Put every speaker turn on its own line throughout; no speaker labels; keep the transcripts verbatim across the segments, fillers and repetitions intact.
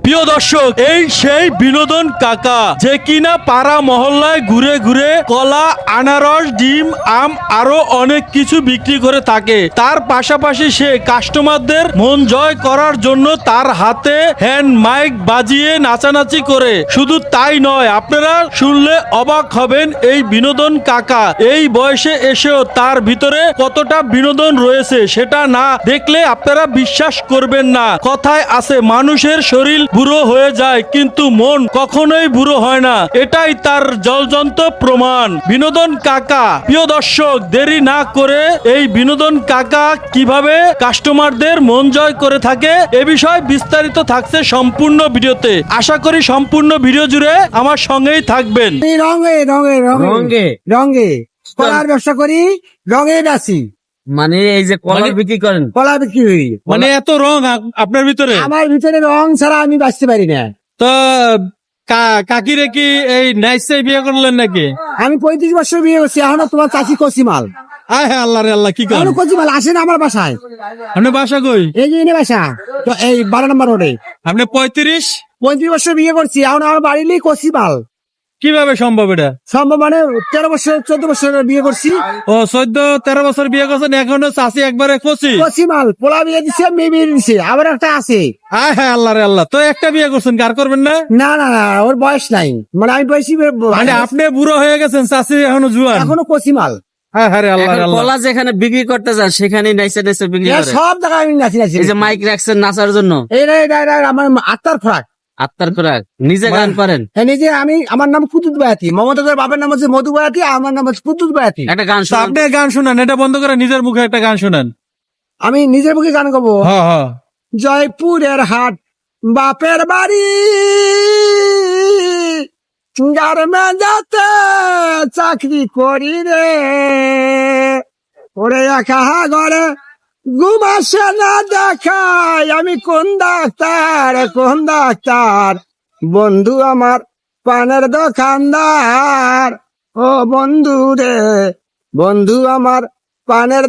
প্রিয় দর্শক, এই সেই বিনোদন কাকা যে কিনা পাড়া মহল্লায় ঘুরে ঘুরে কলা, আনারস, ডিম, আম আরো অনেক কিছু বিক্রি করে থাকে। তার পাশাপাশি সে কাস্টমারদের মন জয় করার জন্য তার হাতে হ্যান্ড মাইক বাজিয়ে নাচানাচি করে। শুধু তাই নয়, আপনারা শুনলে অবাক হবেন এই বিনোদন কাকা এই বয়সে এসেও তার ভিতরে কতটা বিনোদন রয়েছে সেটা না দেখলে আপনারা বিশ্বাস করবেন না। কথায় আছে মানুষের শরীর বুড়ো হয়ে যায় কিন্তু মন কখনোই বুড়ো হয় না, এটাই তার জলজন্ত প্রমাণ। বিনোদন কাকা, প্রিয় দর্শক, দেরি না করে এই বিনোদন কাকা কিভাবে কাস্টমারদের মন জয় করে থাকে এ বিষয়ে বিস্তারিত থাকছে সম্পূর্ণ ভিডিওতে। আশা করি সম্পূর্ণ ভিডিও জুড়ে আমার সঙ্গেই থাকবেন।
রঙে রঙে
রঙে
রঙে কলার ব্যবসা করি, রঙে বেশি।
মানে এই যে কলা
মানে-
বিক্রি করেন,
কলা বিক্রি হই,
মানে এত রং আপ- আপনার ভিতরে
আমার ভিতরে রং ছাড়া আমি বাঁচতে পারি না।
তো কা- কাকিরে কি এই নাইসে বিয়ে করলেন নাকি?
আমি পঁয়ত্রিশ বছর বিয়ে করছি, এখনো তোমার চাষি কচিমাল,
আয় হ্যাঁ, আল্লাহ রে আল্লাহ, কি করেন
এখনো কচিমাল আসে না আমার বাসায়।
আপনি? বাসা কই?
এই যে এনে বাসা, তো এই বারো নম্বর রোডে।
আপনি পঁয়ত্রিশ?
পঁয়ত্রিশ বছর বিয়ে করছি, এখন আমার বাড়িলেই কচিমাল।
কিভাবে সম্ভব এটা?
সম্ভব মানে তেরো বছর চোদ্দ বছর বিয়ে করছি,
ও চোদ্দ তেরো বছর বিয়ে করছেন, এখনো চাষি একবারে কচি।
কচিমাল। পোলা বিয়ে দিছে, মেয়ে বিয়ে দিছে, আবার একটা আছে।
আয় হ্যাঁ, আল্লাহ রে আল্লাহ, তো একটা বিয়ে করছেন, কার করবেন না?
না না না, ওর বয়স নাই, মানে আমি বয়সী,
মানে আপনি বুড়ো হয়ে গেছেন, চাষি এখনো জুয়ান।
এখনো কচিমাল।
হ্যাঁ হ্যাঁ রে আল্লাহ রে
এখন
আল্লাহ।
কলা যেখানে বিক্রি করতে যান সেখানে নাইসে নাইসে বিক্রি
এ
করে।
সব জায়গায় আমি নাচি নাচি।
এই যে মাইক রাখছেন নাচার জন্য,
এটা এটা এটা আমার আত্মার খোরাক।
আত্মার খোরাক। নিজে গান পারেন?
হ্যাঁ, নিজে আমি, আমার নাম কুতুব বায়াতি, মমতাজের বাবার নাম হচ্ছে মধু বায়াতি, আমার নাম হচ্ছে কুতুব বায়াতি।
একটা গান
তো
শোনান।
আপনি গান শুনান, এটা বন্ধ করে নিজের মুখে একটা গান শুনান।
আমি নিজের মুখে গান গাবো।
হ্যাঁ হ্যাঁ।
জয়পুরের হাট বাপের বাড়ি, গার্মে যাতে চাকরি করি রে, ওরে একা ঘরে ঘুম আসে না দেখাই, আমি কোন ডাক্তার কোন ডাক্তার, বন্ধু আমার পানের দোকানদার, ও বন্ধু রে বন্ধু আমার পানের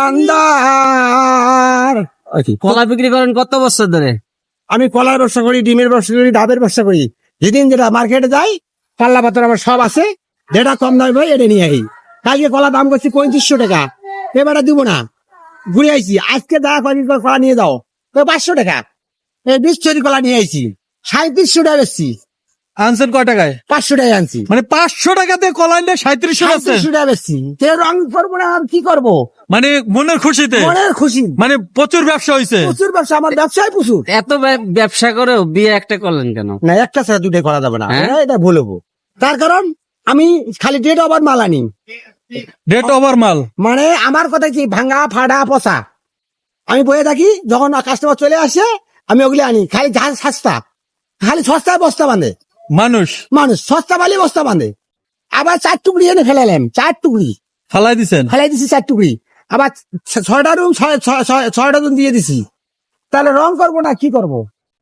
দোকানদার।
কলা বিক্রি করেন কত বছর ধরে?
আমি কলার ব্যবসা করি, ডিমের ব্যবসা করি, ডাবের ব্যবসা করি। যেদিন যেটা মার্কেটে যাই, পাল্লা পাথর আমার সব আছে, যেটা কম দামে ভাই এটা নিয়ে আই। কালকে কলা দাম করছি পঁয়ত্রিশশো টাকা, এবারে দিব না, ঘুরে আইছি। আজকে যা কদিন পর কলা নিয়ে যাও, তো পাঁচশো টাকা। এই বিশ চুরি কলা নিয়ে আইছি, সাঁত্রিশশো টাকা বেচছি,
আনছেন কয় টাকায়?
পাঁচশো টাকা আনছি,
মানে পাঁচশো টাকাতে কলাই নিয়ে সাঁত্রিশশো আছে।
সাঁত্রিশশো টাকা বেচছি। তো রং করবো না, আর কি করবো,
মানে মনের খুশিতে,
মনের খুশি।
মানে প্রচুর ব্যবসা হয়েছে।
প্রচুর ব্যবসা, আমার ব্যবসায় প্রচুর।
এত ব্য- ব্যবসা করেও বিয়ে একটা করলেন কেন?
না, একটা ছাড়া দুটাই করা যাবে না,
হ্যাঁ?
এটা- এটা ভুল হবো। তার কারণ আমি খালি ডেট ওভার মাল আনি,
ডেট ওভার মাল।
মানে আমার কথা কি ভাঙা ফাড়া পচা আমি বয়ে থাকি। যখন কাস্টমার চলে আসে আমি ওগুলি আনি, খালি ঝাল সস্তা, খালি সস্তায় বস্তা বাঁধে
মানুষ
মানুষ, সস্তা বালি বস্তা বাঁধে। আবার চার টুকরি এনে ফেলালাম, চার টুকরি
ফালাই দিছেন।
ফেলাই দিছি, চার টুকরি। আবার ছ- ছয়টা রুম ছয়- ছয়- ছয়- ছয়টা রুম দিয়ে দিছি। তাহলে রং করবো না কি করবো,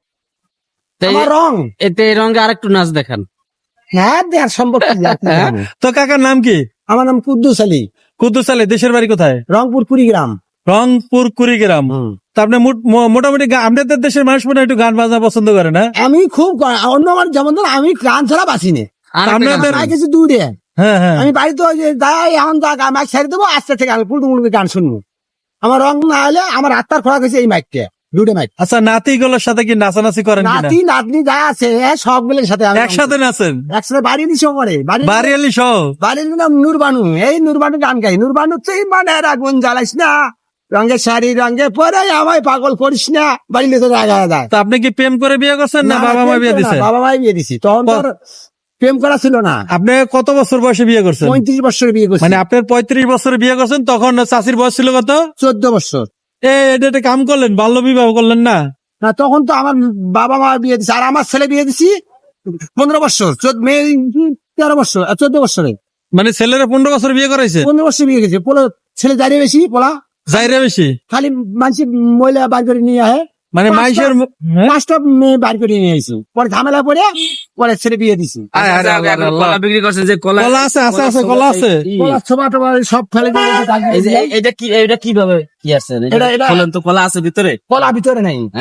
তো
আমার
এ-
রং
এতে এই রঙে আরেকটু নাচ দেখান।
হ্যাঁ দেয়ার সম্ভব কি, আর কি
হ্যাঁ?
জানো?
তো কাকার নাম কি?
আমার নাম কুদ্দুস আলী,
কুদ্দুস আলী। দেশের বাড়ি কোথায়?
রংপুর কুড়িগ্রাম।
রংপুর কুড়িগ্রাম। তা আপনি মোট- মো- মোটামুটি গা- আপনাদের দেশের মানুষ মনে হয় একটু গান বাজনা পছন্দ করে না?
আমি খুব গ- অন্য আমার যেমন ধর আমি গান ছাড়া বাঁচি না,
আর একটা গান
আপনাদের-
শোনান।
কিছু দূরে
হ্যাঁ হ্যাঁ।
আমি বাড়িতে ওই যে যাই এখন যা মাইক ছাড়ি দেবো, আস্তে থেকে আমি পুরো মুড়ি গান শুনবো। আমার রং না হলে আমার আত্মার খোরাক হয়েছে এই মাইকটা, দুটো মাইক।
আচ্ছা, নাতি গুলোর সাথে কি নাচানাচি করেন কিনা?
নাতি নাতনি যা আছে সবগুলোর সাথে আমি
একসাথে নাচেন?
একসাথে বাড়ি দিছি করে বাড়ি
বাড়িয়ালি সহ?
বাড়ির নাম নুরবানু, এই নুরবানু গান গাই। নুরবানু তুই মানে আগুন জ্বালাইস না, রঙের শাড়ি রঙে পরে আমায় পাগল করিস না, বাড়িতে তো রাগা যায়।
তা আপনি কি প্রেম করে বিয়ে করছেন না বাবা মা বিয়ে দিছে?
বাবা মাই বিয়ে দিছি, তখন তোর প্রেম করা ছিল না।
আপনি কত বছর বয়সে বিয়ে করছেন?
পঁয়ত্রিশ বছর বিয়ে করছি,
মানে আপনার পঁয়ত্রিশ বছরে বিয়ে করছেন, তখন চাষির বয়স ছিল কত?
চোদ্দ বছর।
এ এটা একটা কাম করলেন, বাল্য বিবাহ করলেন না?
না, তখন তো আমার বাবা মা বিয়ে দিছে, আর আমার ছেলে বিয়ে দিছি পনেরো বছর, চোদ্দ মেয়ে তেরো বছর, চোদ্দ বছরে।
মানে ছেলেরা পনেরো বছর বিয়ে করাইছে?
পনেরো বছর বিয়ে গেছে, পোলা ছেলে দাঁড়িয়ে বেশি, পোলা
যাইরে বেশি।
খালি মানুষ মহিলা বার করে নিয়ে আহে,
মানে
পাঁচটা-
মাইসের হ্যাঁ?
পাঁচটা মেয়ে বার করে নিয়ে আইছি, পরে ঝামেলা পরে পরে ছেলে বিয়ে দিছি।
আয় আরে
আচ্ছা,
আল্লাহ
এখন
আল্লাহ।
কলা বিক্রি করছেন যে কলা
কলা আছে, আছে, আছে, কলা আছে।
এই-
পোলা ছোবা টোবা সব ফেলে দিয়ে গেছে,
এই যে এই- এটা কি এটা কিভাবে কি আছে?
এটা- এটা-
বলেন তো, কলা আছে ভিতরে?
কলা ভিতরে নাই,
হ্যাঁ,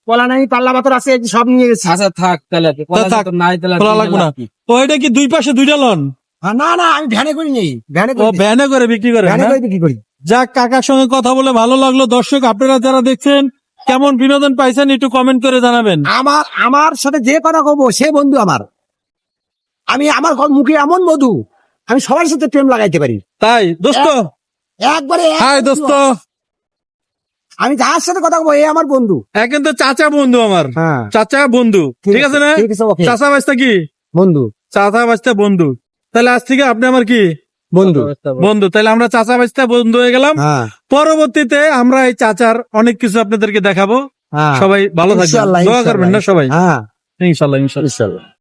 কলা নাই, পাল্লা পাথর আছে, এই যে সব নিয়ে গেছি।
আচ্ছা থাক তাহলে কলা
থাক,
তো নাই তাহলে আর
কলা
কিনে
লাগবে না।
লাভ কি?
ও এটা কি দুই পাশে দুইটা লন?
হ্যাঁ, না না আমি ভ্যানে করি নেই, ভ্যানে
ও
করি
ভ্যানে করে বিক্রি করে
ভ্যানে
না?
করে বিক্রি করি।
যাক, কাকার সঙ্গে কথা বলে ভালো লাগলো। দর্শক আপনারা যারা দেখছেন কেমন বিনোদন পাইছেন একটু কমেন্ট করে জানাবেন।
আমার আমার সাথে যে কথা কব সে বন্ধু আমার। আমি আমার ক- মুখে এমন মধু, আমি সবার সাথে প্রেম লাগাইতে পারি
তাই দোস্ত,
একবারে এক
হাই
বন্ধু।
দোস্ত,
আমি যার সাথে কথা কব এ আমার বন্ধু।
এক কিন্তু চাচা বন্ধু আমার,
হ্যাঁ,
চাচা বন্ধু, ঠিক আছে না?
ঠিক আছে, ওকে।
চাচা বাস্তা কি?
বন্ধু
চাচা বাস্তা বন্ধু। তাহলে আজ থেকে আপনি আমার কি
বন্ধু।
বন্ধু? তাহলে আমরা চাচা বাস্তা বন্ধু হয়ে গেলাম।
হ্যাঁ,
পরবর্তীতে আমরা এই চাচার অনেক কিছু আপনাদেরকে দেখাবো।
হ্যাঁ।
সবাই ভালো থাকবেন,
ইনশাআল্লাহ,
দোয়া করবেন না সবাই।
হ্যাঁ,
ইনশাল্লাহ ইনশাল্লাহ।
ইনশাআল্লাহ।